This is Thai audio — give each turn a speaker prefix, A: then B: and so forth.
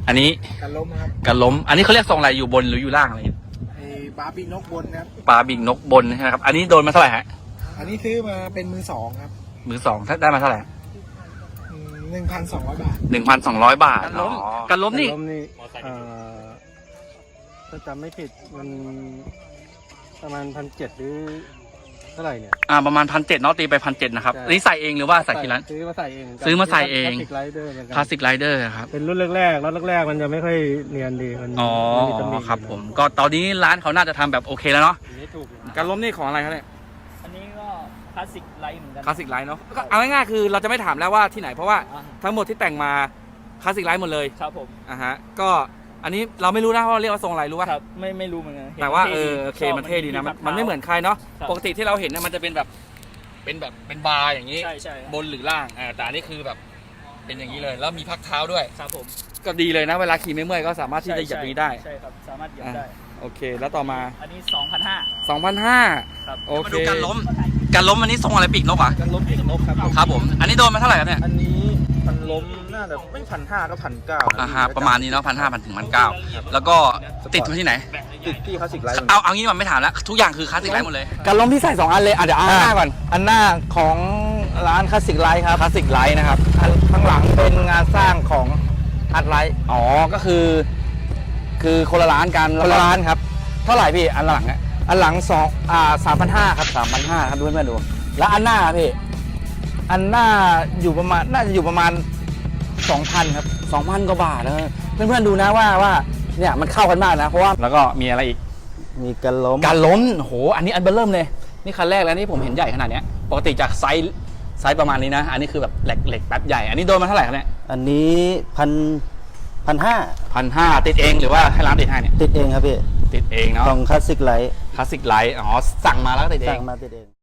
A: อันนี้
B: กันล้มครับ
A: กันล้มอันนี้เขาเรียกทรงอะไรอยู่บนหรืออยู่ล่างอะไร
B: ไอ้บาร์บีนกบนครับ
A: ปลาบิงนกบนใช่ไหมครับอันนี้โดนมาเท่าไหร่ฮะ
B: อันนี้ซื้อมาเป็นมือสองครับ
A: มือสองได้มาเท่าไหร่
B: 1,200 บาท
A: 1,200 บาทกันล้ม
C: กันล้มนี่
D: ถ้าจำไม่ผิดมันประมาณ1,700หรือเท่าไหร่เนี่ย
A: ประมาณ1,700เนาะตีไป1,700นะครับ
D: ใช่
A: อันนี้ใส่เองหรือว่าใส่ที่ร้าน
D: ซื้อมาใส่เอง
A: ซื้อมาใส่เอง
D: คลาสสิกไรเดอร์เหมือนกัน
A: คลาสสิกไรเดอร์ครับ
D: เป็นรุ่นแรกๆแล้วแรกๆมันจะไม่ค่อยเนียนดีมัน
A: อ๋อ
D: มันมีตำหนิ
A: ครับผมก็ตอนนี้ร้านเขาน่าจะทำแบบโอเคแล้วเนาะ
D: อันนี้ถูกอยู่นะ
A: การล้มนี่ของอะไรครับเนี่ย
C: อันนี้ก็คลาสสิกไลท์เหมือนกัน
A: คลาสสิกไลท์เนาะก็เอาง่ายๆคือเราจะไม่ถามแล้วว่าที่ไหนเพราะว่าทั้งหมดที่แต่งมาคลาสสิกไลท์หมดเลย
C: ครับผม
A: ฮะก็อันนี้เราไม่รู้นะว่าเรียกว่าทรงอะไรรู้ป่ะ
C: ครับไม่รู้เหมือนกันเห็น
A: แต่ว่า
C: ท่ดี
A: โอเคมันเท่ดีนะมันไม่เหมือนใครเนาะ
C: ครับ
A: ปกติที่เราเห็นนะมันจะเป็นแบบเป็นบาร์อย่างนี้
C: ใช่ใช่ครับ
A: บนหรือล่างแต่อันนี้คือแบบเป็นอย่างนี้เลยแล้วมีพักเท้าด้วย
C: ครับผม
A: ก็ดีเลยนะเวลาขี่ไม่เมื่อยก็สามารถที่จะเหยียบนี้ได้
C: ใช่ครับสามารถเหยียบได้
A: โอเคแล้วต่อมา
C: อันนี้ 2,500
A: 2,500
C: ครับ
A: โอเคมาดูการล้มอันนี้ทรงอะไรปีกนกอ่ะ
B: กันล้มปีกนกครับ
A: ครับผมอันนี้โดนมาเท่าไหร่ครับเนี่ย
B: อันนี้มันล้มน่าจะไม่1,500ก็1,900
A: ฮะประมาณนี้เนาะ1,500ถึง1,900แล้วก็ติดที่ไหน
B: ติดที่คลาสสิกไลท์
A: เอางี้มันไม่ถามแล้วทุกอย่างคือคลาสสิกไลท์หมดเลย
E: การล้มที่ใส่2อันเลยเดี๋ยวเอาหน้าก่อนอันหน้าของร้านคลาสสิกไลท์ครับคลาสสิกไลท์นะครับอันข้างหลังเป็นงานสร้างของอาร์ตไลท์
A: อ๋อก็คือคนละร้านกัน
E: คนละร้านครับ
A: เท่าไหร่พี่อันหลังอ่ะ
E: อันหลัง3,500ครับ3,500ครับดูเพื่อนๆดูแล้วอันหน้าพี่อันหน้าอยู่ประมาณน่าจะอยู่ประมาณ 2,000ครับ
A: 2,000 กว่าบาทนะ
E: เพื่อนๆดูนะว่าเนี่ยมันเข้ากันมากนะเพราะว่า
A: แล้วก็มีอะไรอีก
E: มีการล้ม
A: การล้มโหอันนี้อันเบอร์เริ่มเลยนี่คันแรกแล้วนี่ผมเห็นใหญ่ขนาดเนี้ยปกติจากไซส์ประมาณนี้นะอันนี้คือแบบเหล็กแป๊บใหญ่อันนี้โดนมาเท่าไหร่ครับเนี่ย
E: อันนี้1,500
A: ติดเองหรือว่าให้ร้านติดให้เนี่ย
E: ติดเองครับพี่
A: ติดเองเนาะ
E: ของคลาสสิกไลท์
A: คลาสสิกไลท์อ๋อสั่งมาแล้วก็ติดเอ
E: สั่
A: ง
E: งมาติดเอง